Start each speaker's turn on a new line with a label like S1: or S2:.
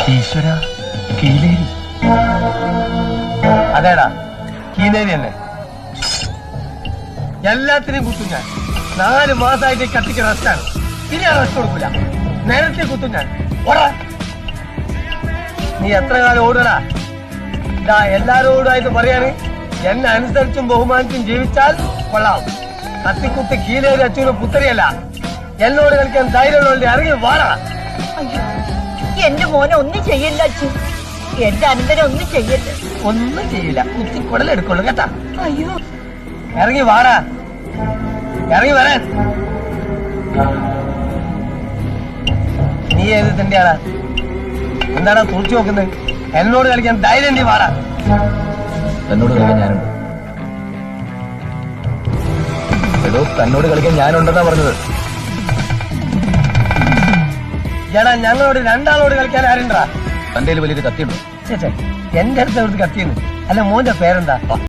S1: ഈശ്വര, കീലേരി. അതേടാ, കീലേരി തന്നെ. എല്ലാത്തിനെയും കുത്തും ഞാൻ. 4 മാസമായിട്ട് കത്തിക്ക് റെസ്റ്റാണ്. ഇനി ആ റെസ്റ്റ് കൊടുക്കൂല. നേരത്തെ കുത്തും ഞാൻ. ഓടാ, നീ എത്ര കാലം ഓടടാ? ഇതാ എല്ലാരോടായിട്ട് പറയാണ്, എന്നെ അനുസരിച്ചും ബഹുമാനിച്ചും ജീവിച്ചാൽ കൊള്ളാം. കത്തിക്കുത്ത് കീലേരി അച്ഛനും പുത്തരിയല്ല. എന്നോട് കളിക്കാൻ ധൈര്യമുള്ളവരുടെ ഇറങ്ങി വാടാ.
S2: അയ്യോ, എന്റെ മോനെ ഒന്നും ചെയ്യില്ല അച്ഛൻ. എന്റെ അനന്തരം ഒന്നും ചെയ്യല്ല.
S1: ഒന്നും ചെയ്യില്ല, കുത്തി കുടലെടുക്കുള്ളൂ കേട്ടാ.
S2: അയ്യോ,
S1: ഇറങ്ങി വാടാ, ഇറങ്ങി വരാൻ. നീ ഏത് തന്നെയാടാ? എന്താടാ തുറച്ചു നോക്കുന്നത്? എന്നോട് കളിക്കാൻ ധൈര്യം നീ വാടാ.
S3: തന്നോട് കളിക്കാൻ ഞാനുണ്ട്. എടോ, തന്നോട് കളിക്കാൻ ഞാനുണ്ടെന്നാ പറഞ്ഞത്.
S1: എടാ, ഞങ്ങളോട് 2 ആളോട് കളിക്കാൻ ആരുണ്ടാ?
S3: തന്റെ വലിയൊരു കത്തിയുണ്ടോ?
S1: ചേച്ചേ, എന്റെ അടുത്ത് എവിടുത്തെ കത്തിയെന്ന്. അല്ല, മോന്റെ പേരെന്താ?